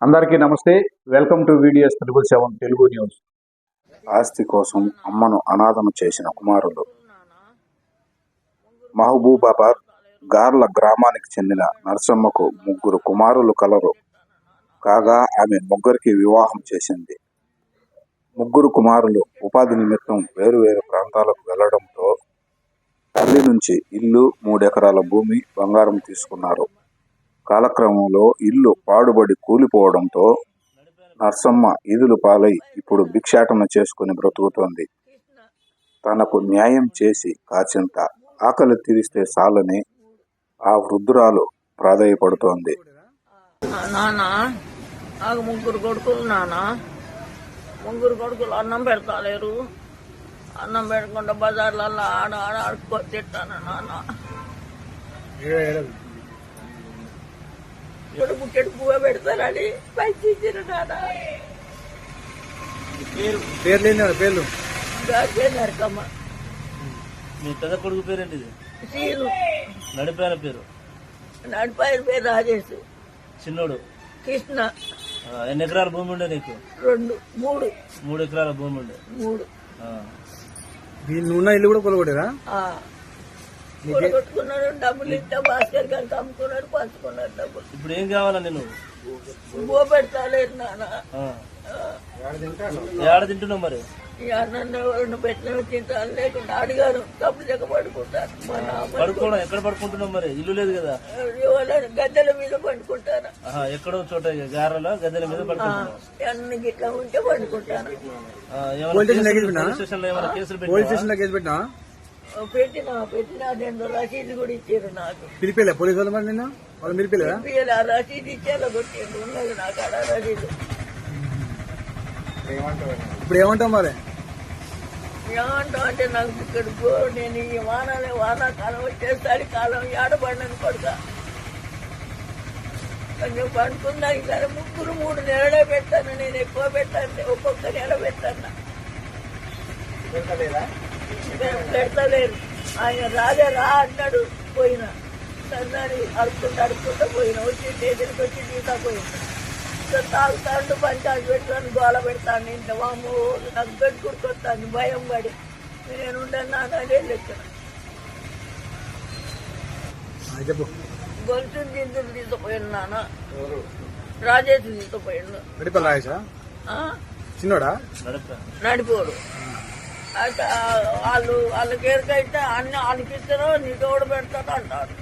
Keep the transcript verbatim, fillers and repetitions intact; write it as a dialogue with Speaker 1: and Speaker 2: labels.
Speaker 1: అందరికీ నమస్తే. Welcome to videos triple seven Telugu news.
Speaker 2: ఆస్తి కోసం అమ్మను అనాథను చేసిన కుమారులు. మహబూబాబాద్ గార్ల గ్రామానికి చెందిన నర్సమ్మకు ముగ్గురు కుమారులు కలరు. కాగా ఆమె ముగ్గురికి వివాహం చేసింది. ముగ్గురు కుమారులు ఉపాధి నిమిత్తం వేరు వేరు ప్రాంతాలకు వెళ్లడంతో తల్లి నుంచి ఇల్లు, మూడెకరాల భూమి, బంగారం తీసుకున్నారు. కాలక్రమంలో ఇల్లు పాడుబడి కూలిపోవడంతో నర్సమ్మ ఈదులు పాలై ఇప్పుడు భిక్షాటన చేసుకుని బ్రతుకుతోంది. తనకు న్యాయం చేసి కాచింత ఆకలి తీరిస్తే చాలని ఆ వృద్ధురాలు ప్రాధేయపడుతోంది.
Speaker 3: నానా నాకు ముగ్గురు కొడుకులు నానా ముగ్గురు కొడుకులు అన్నం పెడతాలేరు. అన్నం పెట్టకుండా బజార్లలో ఆడ ఆడ ఆడుకొని తిట్టాను నాన్న. ఇప్పుడు బుక్కెడు పువ్వు పెడతారని పైకి ఇచ్చారు నాన్న.
Speaker 4: పేర్లు
Speaker 3: నరకమ్మ.
Speaker 4: మీ పెద్ద కొడుకు పేరేంటి?
Speaker 3: సీను.
Speaker 4: నడిపాయల పేరు?
Speaker 3: నడిపాయల పేరు రాజేష్.
Speaker 4: చిన్నోడు
Speaker 3: కృష్ణ.
Speaker 4: ఎన్ని ఎకరాల భూమి ఉండే నీకు?
Speaker 3: రెండు మూడు
Speaker 4: మూడు ఎకరాల భూమి ఉండే.
Speaker 3: మూడు
Speaker 4: ఉన్న ఇల్లు కూడా కొలగొట్టేరా?
Speaker 3: కొట్టుకున్నాడు. డబ్బులు ఇస్తే భాస్కర్ గారికి అమ్ముకున్నాడు, పంచుకున్నాడు డబ్బులు.
Speaker 4: ఇప్పుడు ఏం కావాలా నేను?
Speaker 3: బో పెడతాలేదు నాన్న.
Speaker 4: ఏడ తింటున్నావు మరి?
Speaker 3: నన్ను పెట్టిన తింటాను, లేకుండా అడిగారు తప్పు చెక్క పడుకుంటాను.
Speaker 4: పడుకోవడం ఎక్కడ పడుకుంటున్నావు మరి? ఇల్లు లేదు కదా?
Speaker 3: గద్దెల మీద పండుకుంటాను.
Speaker 4: ఎక్కడో చోట గారెలో గద్దెల మీద పడుకుంటాను.
Speaker 3: అన్ని గిట్లా ఉంటే పండుకుంటాను.
Speaker 4: పెట్టినా
Speaker 3: పెట్టినా పెట్టినా రెండు రసీదు కూడా ఇచ్చారు నాకు.
Speaker 4: పిలిపిలే పోలీసు వాళ్ళు మరి నిన్న? వాళ్ళు పిలిపిలేదా?
Speaker 3: ఆ రసీదు ఇచ్చేలా కొట్టిండు. ఉన్నది నాకు అలా రసీదు.
Speaker 4: ఇప్పుడు ఏమంటావు మరి?
Speaker 3: ఏమంటావు అంటే నాకు ఇక్కడ నేను ఈ వానాలే వానాకాలం వచ్చేసరి కాలం ఏడబడినది కొడుక. కొంచెం పండుకున్నాక సరే ముగ్గురు మూడు నెలలే పెట్టాను. నేను ఎక్కువ పెట్టాను, ఒక్కొక్క నెల పెట్టాను. పెడతలేరు. ఆయన రాజా రా అన్నాడు, పోయినా సన్నాడు అడుక్కుంటూ అడుక్కుంటూ పోయినా. వచ్చి చేతులకి వచ్చి తీసా పోయినా. తాగుతాడు, పంచాలు పెడతాను, గోల పెడతాను. ఇంత వాము నాకు పెట్టుకుంటాను భయం పడి. నేను ఉండను అదే లెక్కన. గొలుసు గింజలు తీసుకుపోయాను నాన్న. రాజేష్ తీసుకుపోయాను.
Speaker 4: చిన్నోడా
Speaker 3: నడిపోడు. అయితే వాళ్ళు వాళ్ళకి ఎరకైతే అన్ని వాళ్ళకి ఇస్తారో నీ తోడు పెడతాడు అంటారు.